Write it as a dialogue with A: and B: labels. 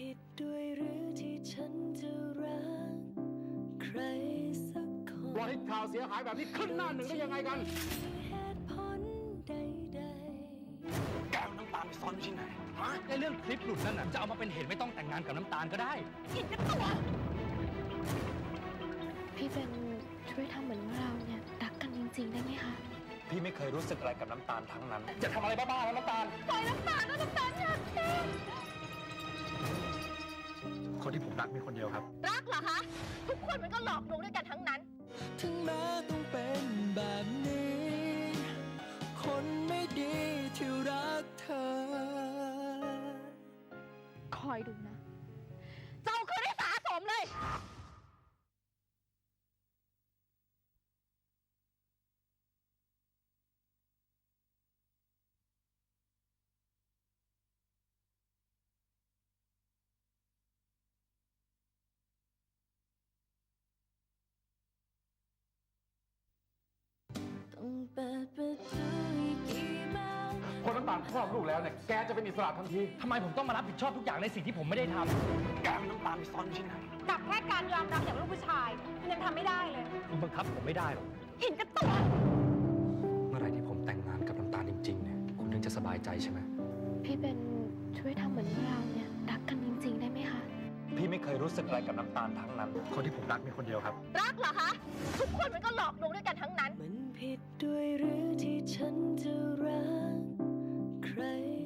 A: ผิดด้วยหรือที่ฉันจะรักใครสักคน
B: ปล่อยให้ข่าวเสียหายแบบนี้ขึ้นหน้าหนึ่งได้ยังไงกัน
A: เหตุผลใดๆ
B: แกน้ำตาลไปซ่อนที่ไหน
C: ในเรื่องคลิปหลุดนั่นน่ะจะเอามาเป็นเหตุไม่ต้องแต่งงานกับน้ำตาลก็ได้
A: ผิดกันตัว
D: พี่เป็นช่วยทำเหมือนว่าเราเนี่ยรักกันจริงๆได้ไหมคะ
C: พี่ไม่เคยรู้สึกอะไรกับน้ำตาลทั้งนั้นจะทำอะไรบ้าๆแล้วน้ำตาล
A: ปล่อยน้ำตาลนะน้ำตาลอยากเชื่อ
C: คนที่ผมรักมีคนเดียวครับ
A: รักเหรอคะทุกคนมันก็หลอกลวงด้วยกันทั้งนั้น
E: ถึงแม้ต้องเป็นแบบนี้คนไม่ดีที่รักเธอ
D: คอยดูนะ
A: เจ้าคือได้สะสมเลย
B: คนน้ำตาลคลอดลูกแล้วเนี่ยแกจะเป็นอิสระทันที
C: ทำไมผมต้องมารับผิดชอบทุกอย่างในสิ่งที่ผมไม่ได้ทำแกน้ำตาลไปซ่อนที่ไหน
A: กับแค่การยอมรับอย่างลูกผู้ชายมันยังทำไม่ได้เลย
C: คุณบังคับผมไม่ได้หรอก
A: เห็นกับตัว
C: เมื่อไรที่ผมแต่งงานกับน้ำตาลจริงๆเนี่ยคุณถึงจะสบายใจใช่ไหม
D: พี่เป็นช่วยทำเหมือนว่าเราเนี่ยรักกันจริงๆได้ไหมคะ
C: พี่ไม่เคยรู้สึกอะไรกับน้ำตาลทั้งนั้นคนที่ผมรักมีคนเดียวครับ
A: รักเหรอคะทุกคนมันก็หลอกลวงด้วยกันทั้งนั้นมันผิดด้วยหรือที่ฉันจะรักใคร